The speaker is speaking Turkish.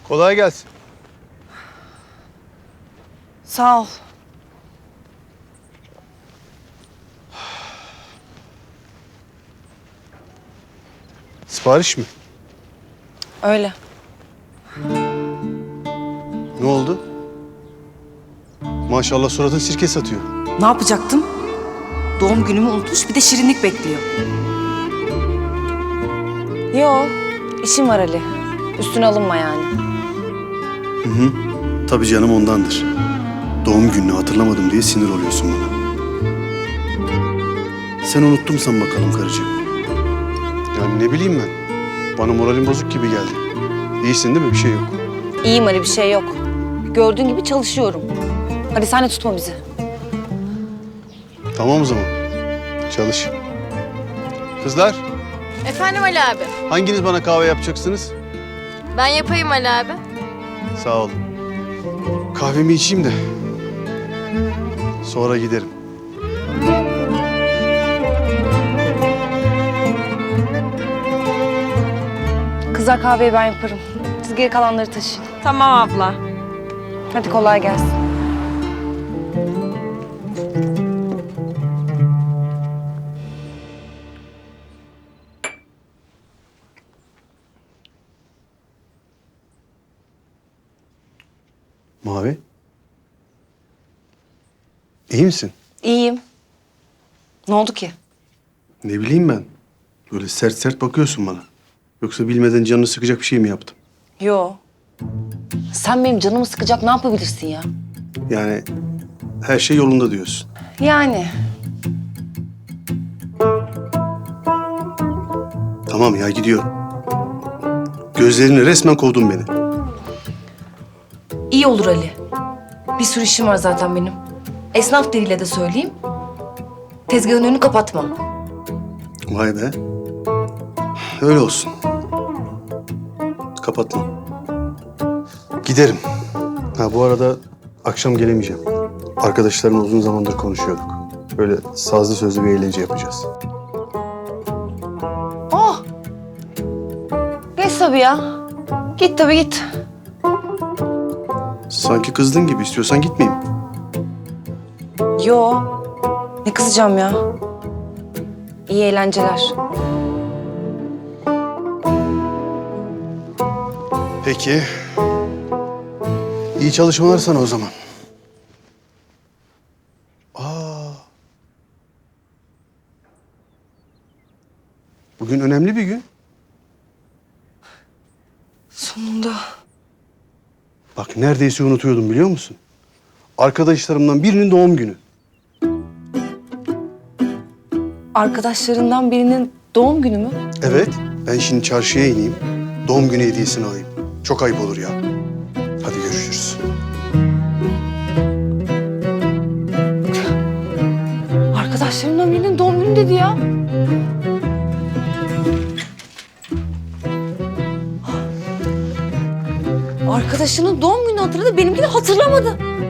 Kolay gelsin. Sağ ol. Sipariş mi? Öyle. Ne oldu? Maşallah suratın sirke satıyor. Ne yapacaktım? Doğum günümü unutmuş bir de şirinlik bekliyor. Yo, işim var Ali. Üstüne alınma yani. Tabii canım ondandır. Doğum gününü hatırlamadım diye sinir oluyorsun bana. Sen unuttun san bakalım karıcığım. Yani ne bileyim ben. Bana moralim bozuk gibi geldi. İyisin değil mi? Bir şey yok. İyiyim Ali, bir şey yok. Gördüğün gibi çalışıyorum. Hadi sen de tutma bizi. Tamam o zaman. Çalış. Kızlar, Efendim Ali abi. hanginiz bana kahve yapacaksınız? Ben yapayım Ali abi. Sağ olun. Kahvemi içeyim de sonra giderim. Kızlar kahveyi ben yaparım. Siz geri kalanları taşıyın. Tamam abla. Hadi kolay gelsin. Mavi. İyi misin? İyiyim. Ne oldu ki? Ne bileyim ben. Böyle sert sert bakıyorsun bana. Yoksa bilmeden canını sıkacak bir şey mi yaptım? Yo. Sen benim canımı sıkacak ne yapabilirsin ya? Yani her şey yolunda diyorsun. Yani. Tamam ya gidiyorum. Gözlerini resmen kovdun beni. İyi olur Ali. Bir sürü işim var zaten benim. Esnaf diliyle de söyleyeyim. Tezgahın önünü kapatma. Vay be. Öyle olsun. Kapatma. Giderim. Ha bu arada akşam gelemeyeceğim. Arkadaşlarımla uzun zamandır konuşuyorduk. Böyle sazlı sözlü bir eğlence yapacağız. Oh! Geç tabii ya. Git tabii git. Sanki kızdın gibi. İstiyorsan gitmeyeyim. Yo. Ne kızacağım ya? İyi eğlenceler. Peki. İyi çalışmalar sana o zaman. Bugün önemli bir gün. Sonunda. Bak neredeyse unutuyordum biliyor musun? Arkadaşlarımdan birinin doğum günü. Arkadaşlarından birinin doğum günü mü? Evet. Ben şimdi çarşıya ineyim. Doğum günü hediyesini alayım. Çok ayıp olur ya. Hadi görüşürüz. Arkadaşlarımdan birinin doğum günü dedi ya. Arkadaşının doğum günü hatırladı, benimkini hatırlamadı.